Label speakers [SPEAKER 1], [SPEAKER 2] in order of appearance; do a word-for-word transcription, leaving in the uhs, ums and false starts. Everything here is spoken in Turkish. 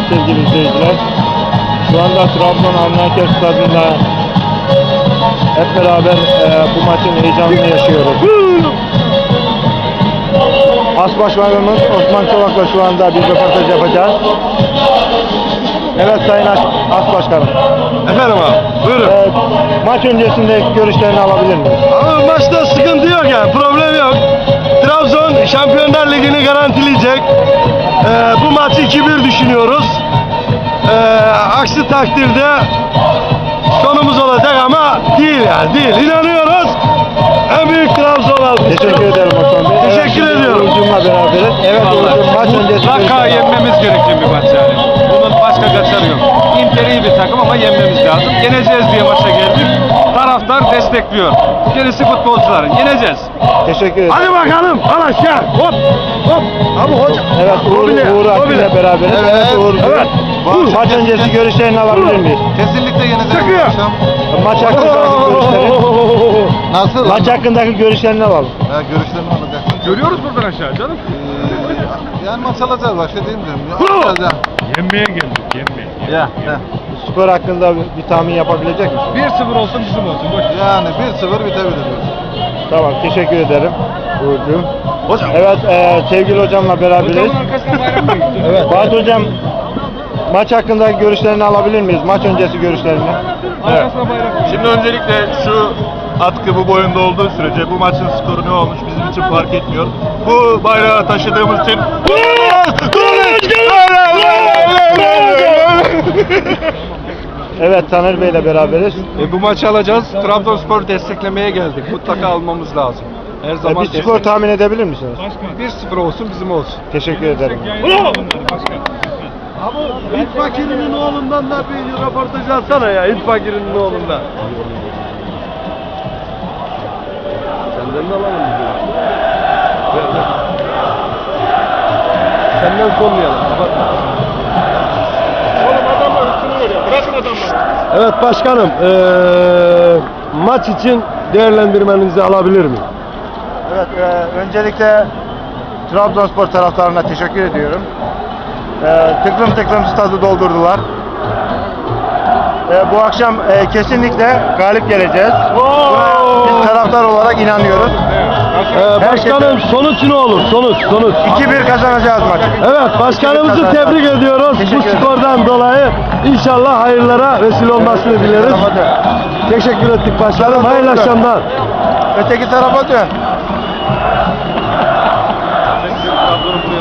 [SPEAKER 1] sevgili izleyiciler. Şu anda Trabzon Avni Stadında hep beraber e, bu maçın heyecanını yaşıyoruz. As Başkanımız Osman Çolak'la şu anda bir röportaj yapacağız. Evet Sayın As, As Başkanım.
[SPEAKER 2] Efendim abi, buyurun.
[SPEAKER 1] E, maç öncesinde görüşlerini alabilir miyiz?
[SPEAKER 2] Ama maçta sıkıntı yok yani, problem yok. Trabzon Şampiyonlar Ligi'ni garantileyecek. Ee, bu maçı iki bir düşünüyoruz. Ee, aksi takdirde sonumuz olacak ama değil yani, değil. İnanıyoruz. En büyük Trabzon aldı.
[SPEAKER 1] Teşekkür ederim Osman Bey.
[SPEAKER 2] Teşekkür
[SPEAKER 1] evet,
[SPEAKER 2] ediyorum.
[SPEAKER 1] Uğur'cumla beraberiz. Evet Uğur'cum, maç öncesi
[SPEAKER 3] Mutlaka yenmemiz gereken bir maç yani. Bunun başka kaçarı yok. Inter iyi bir takım ama yenmemiz lazım. Yeneceğiz diye maça geldik. Taraftar destekliyor. Gerisi futbolcuların. Yeneceğiz.
[SPEAKER 1] Teşekkür ederim.
[SPEAKER 2] Hadi bakalım, al aşağı. Hop, hop. Abi hocam.
[SPEAKER 1] Evet Uğur,
[SPEAKER 2] bile,
[SPEAKER 1] Uğur
[SPEAKER 2] o
[SPEAKER 1] Akgül'le
[SPEAKER 2] bile.
[SPEAKER 1] beraberiz. Evet, evet Uğur.
[SPEAKER 2] Evet.
[SPEAKER 1] Maç öncesi görüşlerini alabilir miyiz?
[SPEAKER 4] Kesinlikle yeneceğiz
[SPEAKER 2] Çıkıyor.
[SPEAKER 4] bu akşam.
[SPEAKER 1] Maç hakkındaki görüşlerini,
[SPEAKER 4] Nasıl?
[SPEAKER 1] maç hakkındaki görüşlerini alalım.
[SPEAKER 4] Ya görüşlerini alacaksın.
[SPEAKER 3] Görüyoruz buradan aşağı canım.
[SPEAKER 4] Ee, yani maç alacağız, başka değil mi diyorum. Ya,
[SPEAKER 2] Bravo.
[SPEAKER 4] alacağız ya.
[SPEAKER 3] Yenmeye geldik. Yenmeye.
[SPEAKER 4] Ya, ya.
[SPEAKER 1] Skor hakkında bir, bir tahmin yapabilecek misin?
[SPEAKER 3] bir sıfır olsun bizim olsun. Boş.
[SPEAKER 4] Yani bir sıfır bitebilir.
[SPEAKER 1] Tamam, teşekkür ederim Uğur'cum.
[SPEAKER 2] Hocam.
[SPEAKER 1] Evet, e, sevgili hocamla beraberiz.
[SPEAKER 3] Hocamın arkasından bayram mı gitti?
[SPEAKER 1] Evet. Fatih hocam, maç hakkındaki görüşlerini alabilir miyiz? Maç öncesi görüşlerini.
[SPEAKER 3] Arkasına bayram.
[SPEAKER 5] Şimdi öncelikle şu atkı bu boyunda olduğu sürece bu maçın skoru ne olmuş bizim için fark etmiyor. Bu bayrağı taşıdığımız için
[SPEAKER 1] Evet, Taner Bey'le beraberiz.
[SPEAKER 6] E, bu maçı alacağız. Trabzonspor desteklemeye geldik. Mutlaka almamız lazım. Her
[SPEAKER 1] E,
[SPEAKER 6] zaman
[SPEAKER 1] bir skor tahmin edebilir misiniz?
[SPEAKER 6] bir sıfır olsun, bizim olsun.
[SPEAKER 1] Teşekkür ederim.
[SPEAKER 2] Abi İt Fakir'in oğlundan da bir röportaj alsana ya. İt Fakir'in oğlundan. Senden de alalım. Senden sormayalım. Evet başkanım, ee, maç için değerlendirmenizi alabilir miyim?
[SPEAKER 1] Evet, e, öncelikle Trabzonspor taraftarına teşekkür ediyorum. E, tıklım tıklım stadı doldurdular. E, bu akşam e, kesinlikle galip geleceğiz. Buna biz taraftar olarak inanıyoruz.
[SPEAKER 2] Ee, başkanım sonuç ne olur? Sonuç, sonuç.
[SPEAKER 1] iki bir kazanacağız maçı.
[SPEAKER 2] Evet, başkanımızı tebrik ediyoruz.
[SPEAKER 1] Teşekkür
[SPEAKER 2] Bu
[SPEAKER 1] ederim.
[SPEAKER 2] skordan dolayı inşallah hayırlara vesile olmasını dileriz. Teşekkür ettik başkanım. Hayırlı akşamlar.
[SPEAKER 1] Öteki tarafa dön.